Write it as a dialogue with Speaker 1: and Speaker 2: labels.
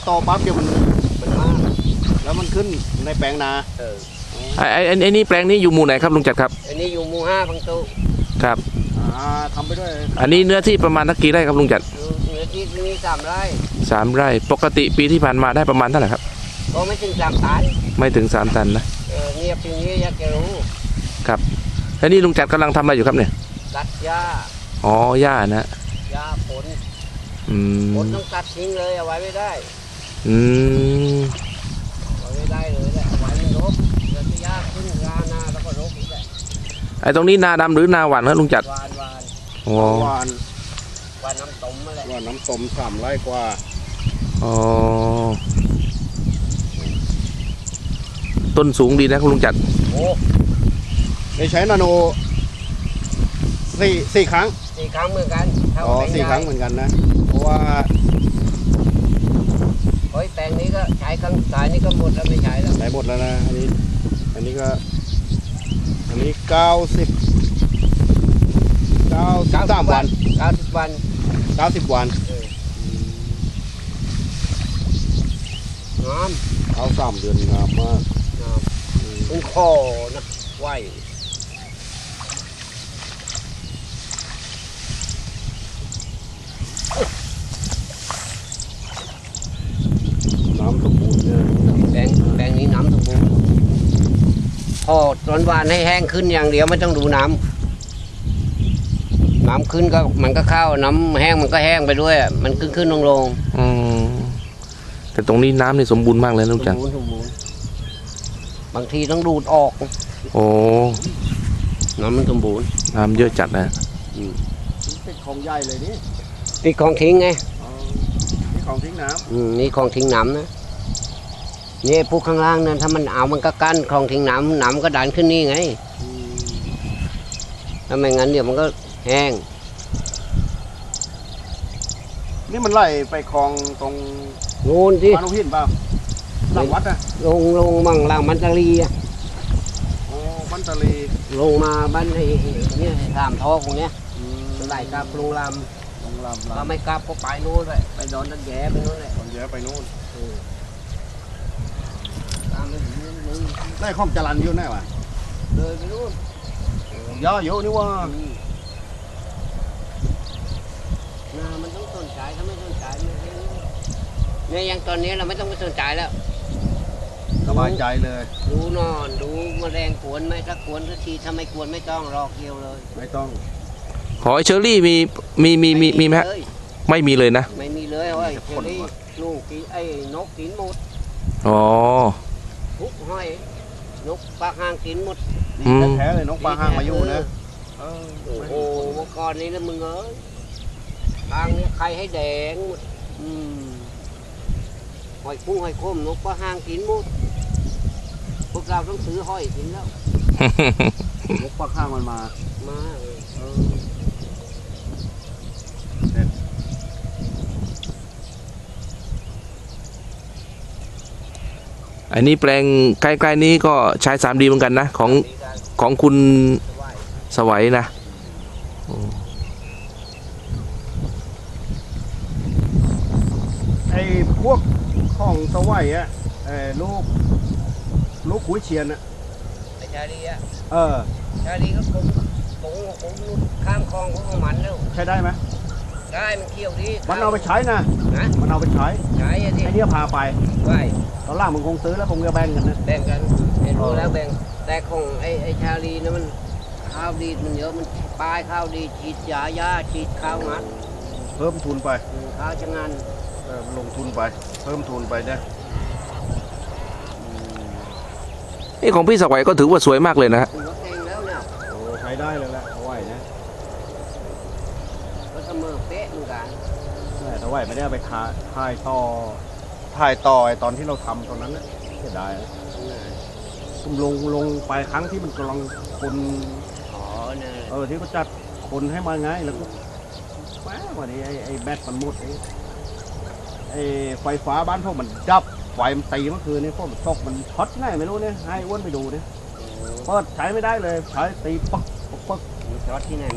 Speaker 1: โตปั๊บเดี๋ยวมันมากแล้วมันขึ้นในแปลงนา
Speaker 2: ไอ้นี่แปลงนี้อยู่หมู่ไหนครับลุงจัดครับ
Speaker 3: อันนี้อยู่หมู่5พังตุ
Speaker 2: ครับ
Speaker 1: ทำไปด้วย
Speaker 2: อันนี้เนื้อที่ประมาณกี่ไร่ครับลุงจัด
Speaker 3: เนื้อที่มี3 ไร่
Speaker 2: 3 ไร่ปกติปีที่ผ่านมาได้ประมาณเท่าไหร่ครับ
Speaker 3: ก็ไม่ถึง3 ตัน
Speaker 2: ไม่ถึง3 ตันนะ
Speaker 3: เงียบอย่างนี้อยากจะรู้
Speaker 2: ครับแล้วนี่ลุงจัดกำลังทำอะไรอยู่ครับเนี่ย
Speaker 3: ตัดหญ้า
Speaker 2: อ๋อหญ้านะ
Speaker 3: หญ้าผลต้องตัดทิ้งเลยเอาไว้ไม่ได้เอาไว้ไม่ได้เลยแหละเอาไว้มันรกเดี๋ยวจะหญ้าขึ้นหญ้าหน้าแล้วก็รกอีกแหละ
Speaker 2: ไอ้ตรงนี้นาดำหรือนาหวานครับลุงจัด
Speaker 3: หวาน
Speaker 1: หวาน
Speaker 3: น้ำต้มอะไร
Speaker 1: หวานน้ำต้ม3 ไร่กว่า
Speaker 2: อ๋อต้นสูงดีนะคุณลุงจัด
Speaker 3: โอ้
Speaker 1: ได้ใช้นาโน4 ครั้ง
Speaker 3: เหมือนกัน
Speaker 1: 4 ครั้งเหมือนกันนะเพราะว่า
Speaker 3: แปลงนี้ก็ใช้ครั้งสายนี้ก็หมดแล้วไม่ใช้แล้ว
Speaker 1: ใช้หมดแล้วนะอันนี้ก็93 วัน
Speaker 3: 90 วัน
Speaker 1: 90 วัน
Speaker 3: งาม
Speaker 1: เอา3 เดือนงามมาก
Speaker 3: ต้องคอนะไหว
Speaker 1: น้ำสมบูรณ์เนี่ย
Speaker 3: แปลงนี้น้ำสมบูรณ์พอตอนวานให้แห้งขึ้นอย่างเดียวไม่ต้องดูน้ำขึ้นก็มันก็เข้าน้ำแห้งมันก็แห้งไปด้วยมันขึ้นลง
Speaker 2: แต่ตรงนี้น้ำนี่สมบูรณ์มากเลยลุงจัน
Speaker 3: สมบูรณ์บางทีต้องดูดออก
Speaker 2: โอ้
Speaker 3: น้ำมันสมบูรณ์
Speaker 2: น้ำเยอะจัดนะ
Speaker 1: ติดของใหญ่เลยนี่
Speaker 3: ติดของทิ้งไง
Speaker 1: นี่ของทิ้งน้
Speaker 3: ำนี่ของทิ้งน้ำนะนี่พวกข้างล่างนั้นถ้ามันเอามันก็กั้นของทิ้งน้ำก็ดันขึ้นนี่ไงถ้าไม่งั้นเดี๋ยวมันก็แห้ง
Speaker 1: นี่มันไหลไปคลองตรง
Speaker 3: โน่นที่
Speaker 1: บ้านลูกหินป่ะหลังวัดอะ
Speaker 3: ลงมั่งหลังมันตะลีอะ
Speaker 1: มันตะลี
Speaker 3: ลงมาบ้านนี่3 ท่อตรงเนี้ยไหลกลับลงลำถ้าไม่กลับก็ไปโน่นเลยไปดอนตันแย่ไปโน่นเลย
Speaker 1: ดอนแย่ไปโน่นได้ข้องจรันอยู่แน่วะ
Speaker 3: เลยไปนู่น
Speaker 1: ย่อเยอะนี่ว่า
Speaker 3: มันต้องสนใจถ้าไม่สนใจเนี่ยยังตอนนี้เราไม่ต้องไปสนใจแล้ว
Speaker 1: สบายใจเลย
Speaker 3: ดูนอนดูแมลงกวนไหมถ้ากวนก็ทีถ้าไม่กวนไม่ต้องรอเกี่ยวเลย
Speaker 1: ไม่ต้อง
Speaker 2: หอยเชอรี่มีไหมไม่มีเลยนะ
Speaker 3: ไม่มีเลยหอยเชอรี่ลูกกินไอ้นกกินหมด
Speaker 2: อ๋อ
Speaker 3: ทุกหอยนกปลาหางกินหมด
Speaker 1: แท้เลยนกปลาหางมาอยู่นะ
Speaker 3: โอ้โหก่อนนี้นะมึงเอ้ยทางนี้ใครให้แดงหมดหอยกุ้งหอยโคมนกปลาหางกินหมดพวกเราต้องซื้อหอยกินแล้ว
Speaker 1: นกปลาหางมันมา
Speaker 2: อันนี้แปลงใกล้ๆนี้ก็ใช้3Dเหมือนกันนะของคุณสวัยนะ
Speaker 1: ไอ้พวกของสวัยอะลูกขุยเชียนอะ
Speaker 3: ไอ้ชาลีอะชาลีก็คงข้ามคลองของมันแล้ว
Speaker 1: ใช้ได้ไหม
Speaker 3: ได้มันเกี่ยวดี
Speaker 1: มันเอาไปใช้นะมันเอาไปใช้
Speaker 3: ไอ้
Speaker 1: เนี่ยพาไปตอนล่างมันคงซื้อแล้วคงจะแบ่งกันนะ
Speaker 3: แบ่งกันรู้แล้วแบ่งแต่ของไอ้ชาลีนะมันข้าวดีมันเยอะมันปลายข้าวดีฉีดยาฉีดข้าวงัด
Speaker 1: เพิ่มทุนไป
Speaker 3: ข้าวจะงาน
Speaker 1: ลงทุนไปเพิ่มทุนไปเนี่ย
Speaker 2: นี่ของพี่สวัยก็ถือว่าสวยมากเลยนะฮะ
Speaker 1: ใช้ได้เลยแหละเอาไว้นะ
Speaker 3: ก็เสมอเป๊ะเหมือนกัน
Speaker 1: แต่ว่าไม่ได้ไปถ่ายต่อตอนที่เราทำตอนนั้นนะเสียดายตุ้มลงไปครั้งที่มันกำลังคนที่เขาจัดคนให้มาไงแล้วก็แม่วันนี้ไอ้แบตมันหมดไอ้ไฟฟ้าบ้านพวกมันดับไฟมันตีเมื่อคืนนี้พวกมันตกมันช็อตไงไม่รู้เนี่ยให้อ้วนไปดูเนี่ยเปิดใช้ไม่ได้เลยใช้ตีปักช็อตที่ไหน